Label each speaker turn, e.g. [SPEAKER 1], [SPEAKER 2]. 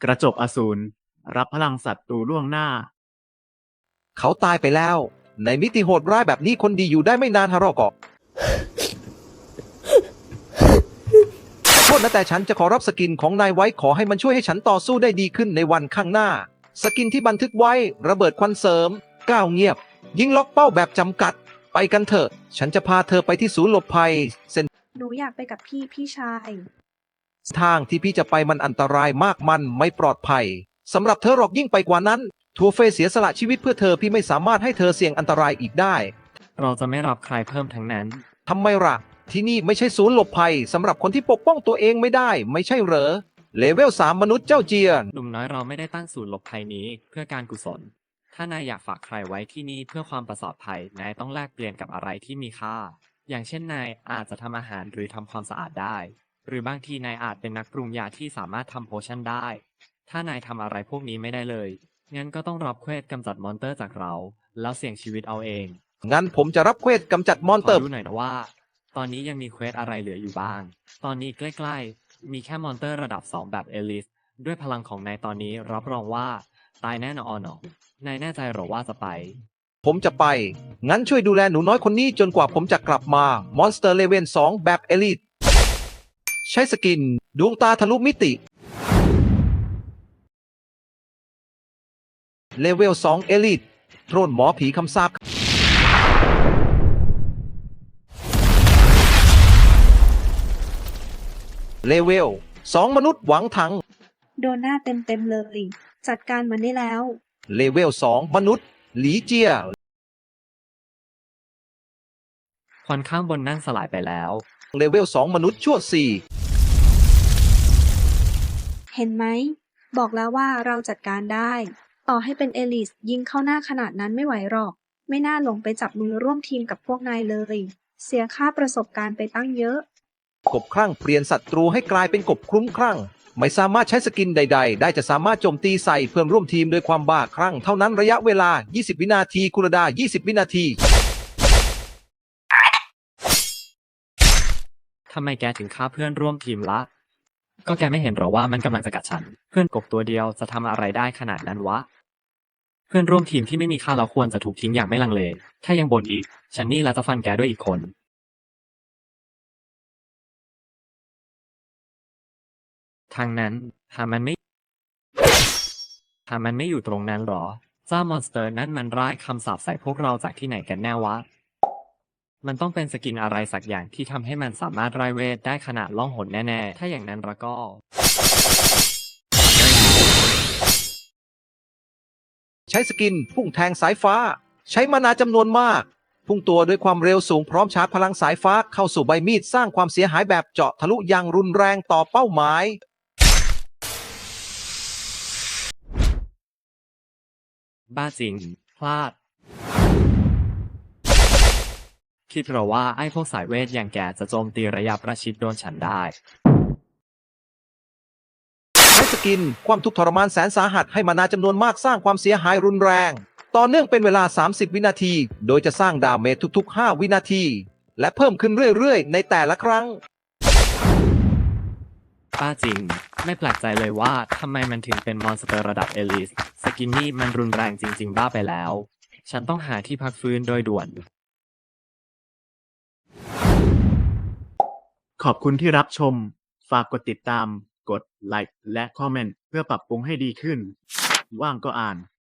[SPEAKER 1] กระจกอสูรรับพลังศัตรูล่วงหน้า
[SPEAKER 2] เขาตายไปแล้ว ในมิติโหดร้ายแบบนี้คนดีอยู่ได้ไม่นานฮารอกอกโทษนะแต่ฉันจะขอรับสกินของนายไว้ขอให้มันช่วยให้ฉันต่อสู้ได้ดีขึ้นในวันข้างหน้า สกินที่บันทึกไว้ระเบิดควันเสริมก้าวเงียบ ยิงล็อกเป้าแบบจำกัด ไปกันเถอะฉันจะพาเธอไปที่ศูนย์หลบภัยเส้น
[SPEAKER 3] หนูอยากไปกับพี่ชาย
[SPEAKER 2] ทางที่พี่จะไปมันอันตรายมากมันไม่ปลอดภัยสำหรับเธอหรอกยิ่งไปกว่านั้นทัวเฟยเสียสละชีวิตเพื่อเธอพี่ไม่สามารถให้เธอเสี่ยงอันตรายอีกได้
[SPEAKER 4] เราจะไม่รับใครเพิ่มทั้งนั้น
[SPEAKER 2] ทำไมล่ะที่นี่ไม่ใช่ศูนย์หลบภัยสำหรับคนที่ปกป้องตัวเองไม่ได้ไม่ใช่เหรอเลเวล3มนุษย์เจ้าเจียน
[SPEAKER 4] หนุ่มน้อยเราไม่ได้ตั้งศูนย์หลบภัยนี้เพื่อการกุศล ถ้านายอยากฝากใครไว้ที่นี่เพื่อความปลอดภัยนายต้องแลกเปลี่ยนกับอะไรที่มีค่า อย่างเช่นนายอาจจะทำอาหารหรือทำความสะอาดได้ หรือบางทีนายอาจเป็นนักปรุงยาที่สามารถทำโพชั่นได้ ถ้านายทำอะไรพวกนี้ไม่ได้เลยงั้นก็ต้องรับเควสกำจัดมอนเตอร์จากเรา แล้วเสี่ยงชีวิตเอาเอง
[SPEAKER 2] งั้นผมจะรับเควสกำจัดมอน
[SPEAKER 4] ข
[SPEAKER 2] เตอ
[SPEAKER 4] อ
[SPEAKER 2] ร์
[SPEAKER 4] ดูหน่อยนะว่า ตอนนี้ยังมีเควสอะไรเหลืออยู่บ้าง ตอนนี้ใกล้ๆ มีแค่มอนเตอร์ระดับ 2 แบบเอลิส ด้วยพลังของนายตอนนี้รับรองว่าตายแน่นอนนายแน่ใจหรอว่าจะไป
[SPEAKER 2] ผมจะไป งั้นช่วยดูแลหนูน้อยคนนี้จนกว่าผมจะกลับมามอนสเตอร์เลเวล2แบบเอลิทใช้สกินดวงตาทะลุมิติเลเวล2เอลิทโทรนหมอผีคำสาปเลเวล2มนุษย์หวังถัง
[SPEAKER 3] โดนหน้าเต็มเลย จัดการมันได้แล้ว
[SPEAKER 2] เลเวล2มนุษย์หลีเจีย
[SPEAKER 4] ควันข้างบนนั่นสลายไปแล้ว
[SPEAKER 2] เลเวล2มนุษย์ชั่ว
[SPEAKER 3] เห็นไหม บอกแล้วว่าเราจัดการได้ ต่อให้เป็นเอลิสยิงเข้าหน้าขนาดนั้นไม่ไหวหรอก ไม่น่าลงไปจับมือร่วมทีมกับพวกนายเลย เสียค่าประสบการณ์ไปตั้งเยอะ
[SPEAKER 2] 4กบคลั่งเปลี่ยนศัตรูให้กลายเป็นกบคลุ้มคลั่ง ไม่สามารถใช้สกินใดๆ ได้จะสามารถโจมตีใส่เพื่อนร่วมทีมด้วยความบ้าคลั่งเท่านั้นระยะเวลา 20 วินาทีคูลดาวน์20 วินาที
[SPEAKER 4] ทำไมแกถึงฆ่าเพื่อนร่วมทีมละ ก็แกไม่เห็นหรอว่ามันกำลังจะกัดฉัน เพื่อนกบตัวเดียวจะทำอะไรได้ขนาดนั้นวะ เพื่อนร่วมทีมที่ไม่มีค่าเราควรจะถูกทิ้งอย่างไม่ลังเล ถ้ายังบ่นอีก ฉันนี่ละจะฟันแกด้วยอีกคน ทางนั้นหามันไม่อยู่ตรงนั้นหรอ เจ้ามอนสเตอร์นั้นมันร้ายคำสาปใส่พวกเราจากที่ไหนกันแน่วะ มันต้องเป็นสกินอะไรสักอย่างที่ทำให้มันสามารถไร้เวทได้ขนาดล่องหนแน่ๆ ถ้าอย่างนั้นแล้วก็
[SPEAKER 2] ใช้สกินพุ่งแทงสายฟ้า ใช้มานาจำนวนมาก พุ่งตัวด้วยความเร็วสูงพร้อมชาร์จพลังสายฟ้าเข้าสู่ใบมีดสร้างความเสียหายแบบเจาะทะลุอย่างรุนแรงต่อเป้าหมาย
[SPEAKER 4] บ้าจริง พลาด คิดเหรอว่าไอ้พวกสายเวทอย่างแกจะโจมตีระยะประชิดโดนฉันได้
[SPEAKER 2] ใช้สกินความทุกข์ทรมานแสนสาหัสให้มานาจำนวนมากสร้างความเสียหายรุนแรง ต่อเนื่องเป็นเวลา 30 วินาที โดยจะสร้างดาเมจทุกๆ 5 วินาที และเพิ่มขึ้นเรื่อยๆ ในแต่ละครั้ง
[SPEAKER 4] ป้าจริง ไม่แปลกใจเลยว่าทำไมมันถึงเป็นมอนสเตอร์ระดับเอลิส สกินนี่มันรุนแรงจริงๆบ้าไปแล้ว ฉันต้องหาที่พักฟื้นโดยด่วน
[SPEAKER 1] ขอบคุณที่รับชม ฝากกดติดตาม กดไลค์และคอมเมนต์เพื่อปรับปรุงให้ดีขึ้น ว่างก็อ่าน